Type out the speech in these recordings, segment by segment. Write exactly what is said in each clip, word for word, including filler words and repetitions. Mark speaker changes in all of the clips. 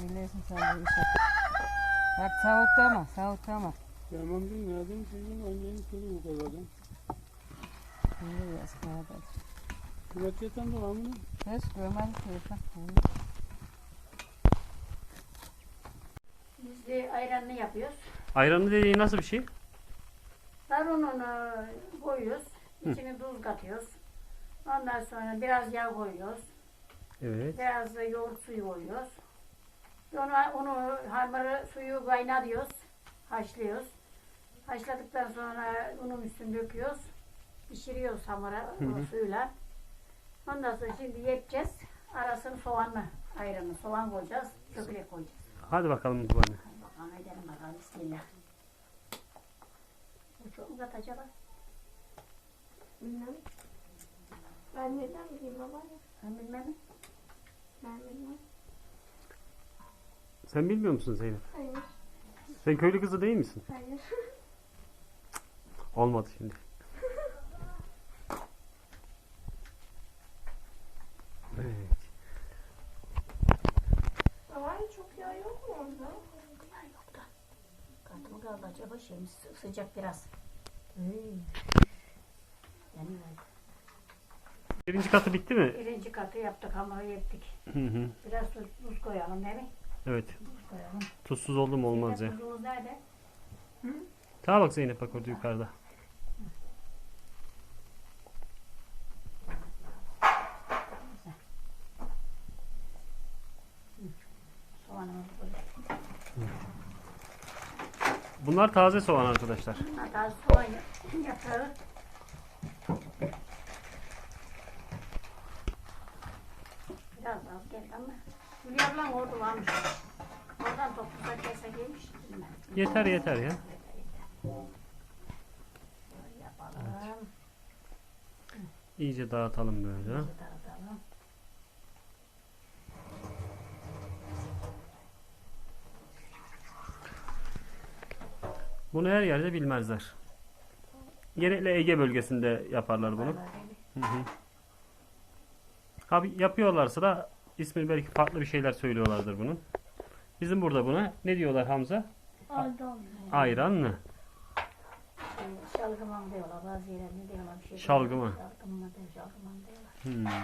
Speaker 1: Bilirsin sen bu işi. Bak savutlama, savutlama.
Speaker 2: Tamam değil mi? Nereden çocuğun annenin kızı bu kadardan.
Speaker 1: Biliyoruz kardeş.
Speaker 2: Kıvat yatan da var mı?
Speaker 1: Hiç görmedim ki.
Speaker 3: Biz de ayranını yapıyoruz.
Speaker 4: Ayranı dediğin nasıl bir şey?
Speaker 3: Darununu koyuyoruz. İçine tuz katıyoruz. Ondan sonra biraz yağ koyuyoruz.
Speaker 4: Evet.
Speaker 3: Biraz da yoğurt suyu koyuyoruz. Onu, onu hamuru suyu kaynatıyoruz. Haşlıyoruz. Haşladıktan sonra unun üstüne döküyoruz. Pişiriyoruz hamura o suyla. Ondan sonra şimdi yapacağız. Arasını soğanla ayranı. Soğan koyacağız. Çökelek koyacağız.
Speaker 4: Hadi bakalım bu anne.
Speaker 3: Hadi bakalım edelim bakalım. Bismillah. Bu çok mu kat acaba?
Speaker 5: Bilmem. Ben neden bileyim baba?
Speaker 3: Ben bilmem.
Speaker 5: Ben bilmem.
Speaker 4: Sen bilmiyor musun Zeynep?
Speaker 5: Hayır.
Speaker 4: Sen köylü kızı değil misin?
Speaker 5: Hayır.
Speaker 4: Olmadı şimdi. Evet.
Speaker 5: Baba çok yağ yok mu orada?
Speaker 3: Ya yok da. Katı mı kaldı acaba? Şeyimiz sı- sıcak biraz. Hmm. Yani
Speaker 4: Birinci katı bitti mi?
Speaker 3: birinci katı yaptık, hamuru yaptık.
Speaker 4: Hı hı.
Speaker 3: Biraz tuz, tuz koyalım değil mi?
Speaker 4: Evet.
Speaker 3: Tuz koyalım.
Speaker 4: Tuzsuz oldu mu olmaz ya.
Speaker 3: Zeynep, tuzumuz nerede?
Speaker 4: Tamam bak Zeynep bak orada yukarıda.
Speaker 3: Soğanımızı koyalım.
Speaker 4: Bunlar taze soğan arkadaşlar.
Speaker 3: Hatta soğan yap- yaprağı. Biraz az geldi ama. Hülya ablam orada varmış. Oradan toplasak kesek yemiş. Bilmem.
Speaker 4: Yeter yeter ya.
Speaker 3: Böyle yapalım.
Speaker 4: İyice dağıtalım böyle.
Speaker 3: Dağıtalım.
Speaker 4: Bunu her yerde bilmezler. Genellikle Ege bölgesinde yaparlar bunu.
Speaker 3: Vallahi öyle.
Speaker 4: Hı hı. Abi yapıyorlarsa da ismi belki farklı bir şeyler söylüyorlardır bunun. Bizim burada buna ne diyorlar Hamza?
Speaker 5: Adam.
Speaker 4: Ayranlı.
Speaker 3: Şey, şalgıman diyorlar, bazı yerlerinde diyorlar bir şey.
Speaker 4: Şalgıman.
Speaker 3: Şalgıman diyor, şalgıman diyorlar.
Speaker 4: Hmm.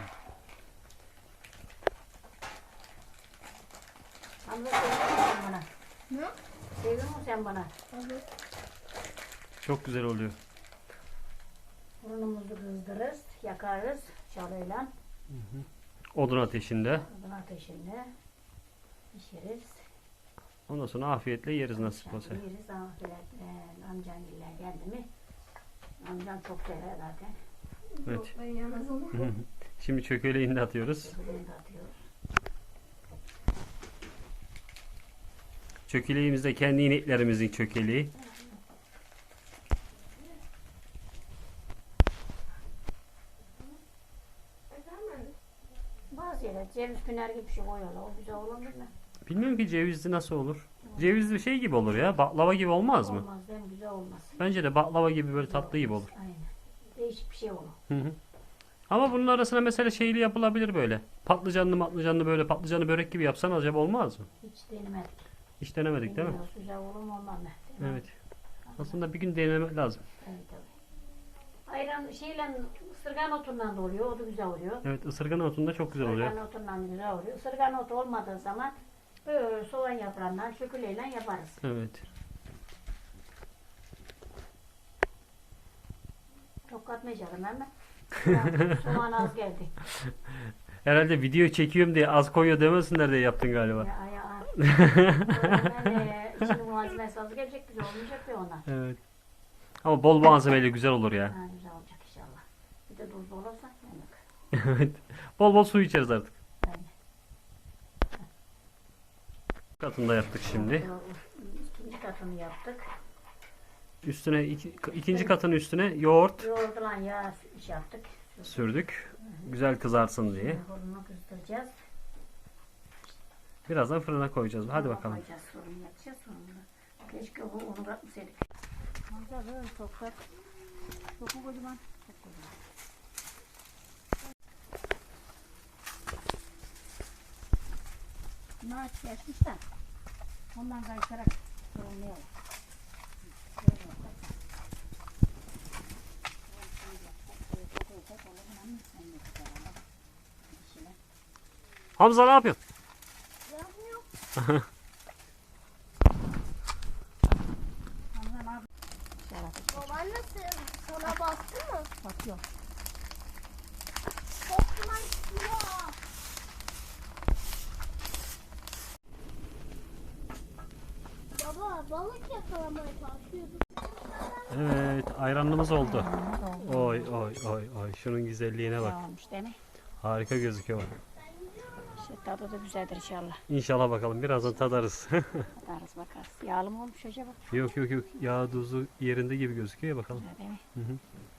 Speaker 3: Hamza seviyor musun sen bana?
Speaker 5: Ne?
Speaker 3: Seviyor musun sen bana?
Speaker 5: Evet.
Speaker 4: Çok güzel oluyor.
Speaker 3: Fırınımızı kızdırırız, yakarız şalıyla.
Speaker 4: Odun ateşinde.
Speaker 3: Odun ateşinde pişiririz.
Speaker 4: Ondan sonra afiyetle yeriz nasip olsa.
Speaker 3: Yeriz, afiyetle. Amcan giller geldi mi? Amcam çok sever zaten.
Speaker 4: Evet.
Speaker 5: Yok ben yemez onu.
Speaker 4: Hı hı. Şimdi çökeleğini de atıyoruz.
Speaker 3: Bunu da atıyoruz.
Speaker 4: Çökeleğimiz de kendi ineklerimizin çökeleği.
Speaker 5: Efendim?
Speaker 3: Bazı yerler ceviz püner gibi bir şey koyuyorlar. O güzel olur mu?
Speaker 4: Bilmiyorum ki cevizli nasıl olur. Cevizli şey gibi olur ya. Baklava gibi olmaz mı?
Speaker 3: Olmaz değil mi? Güzel olmaz.
Speaker 4: Bence de baklava gibi böyle tatlı gibi olur.
Speaker 3: Aynen. Değişik bir şey olur.
Speaker 4: Hı hı. Ama bunun arasına mesela şeyli yapılabilir böyle. Patlıcanlı matlıcanlı böyle patlıcanlı börek gibi yapsan acaba olmaz mı?
Speaker 3: Hiç denemedik.
Speaker 4: Hiç denemedik değil mi?
Speaker 3: Bilmiyoruz, güzel olur mu olmaz mı? Değil mi?
Speaker 4: Evet. Aslında bir gün denemek lazım.
Speaker 3: Evet, tabii. Ayran şeyle ısırgan otundan da oluyor. O da güzel oluyor.
Speaker 4: Evet, ısırgan otunda çok güzel oluyor.
Speaker 3: Isırgan otundan da güzel oluyor. Isırgan otu olmadığı zaman böyle soğan yaprağından şöküleyle yaparız.
Speaker 4: Evet.
Speaker 3: Çok katmayacağım ben. Soğan, soğan az geldi.
Speaker 4: Herhalde video çekiyorum diye az koyuyor demesinler diye yaptın galiba.
Speaker 3: Ya, ya, ya. Yani içinin malzemesi az gelecek, güzel olmayacak diye ondan.
Speaker 4: Evet. Ama bol malzemeyle güzel olur ya.
Speaker 3: Ha, güzel olacak inşallah. Bir de tuzlu olursa yemek.
Speaker 4: Evet. Bol bol su içeriz artık.
Speaker 3: Aynen.
Speaker 4: Katında yaptık şimdi.
Speaker 3: İkinci katını yaptık.
Speaker 4: Üstüne iki, ikinci katın üstüne yoğurt
Speaker 3: Yoğurdulan yağ iş yaptık.
Speaker 4: sürdük. Güzel kızarsın diye.
Speaker 3: Fırını kızdıracağız.
Speaker 4: Birazdan fırına koyacağız. Hadi
Speaker 3: Fırına
Speaker 4: bakalım.
Speaker 3: Koyacağız, fırını yakacağız sonra. Keşke bu onu bırakmasaydık. Manzara böyle toprak. Çok mu kocaman? Çok kocaman. Şunu aç geçmiş de. Ondan kaysarak yorumlayalım.
Speaker 4: Hamza ne yapıyorsun?
Speaker 5: Yapmıyor. Babaannesi sana baktı mı?
Speaker 3: Bakıyor.
Speaker 5: Çok duman çıkıyor. Baba balık yakalamaya çalışıyorduk.
Speaker 4: Evet, ayranımız oldu. Oy oy oy oy. Şunun güzelliğine bak.
Speaker 3: Olmuş değil mi?
Speaker 4: Harika gözüküyor.
Speaker 3: İşte tadı da güzeldir inşallah.
Speaker 4: İnşallah bakalım birazdan tadarız.
Speaker 3: Bakarız bakarız. Yağlı mı olmuş acaba?
Speaker 4: Yok yok yok. Yağ tuzu yerinde gibi gözüküyor ya bakalım.
Speaker 3: Öyle değil mi?
Speaker 4: Hı hı.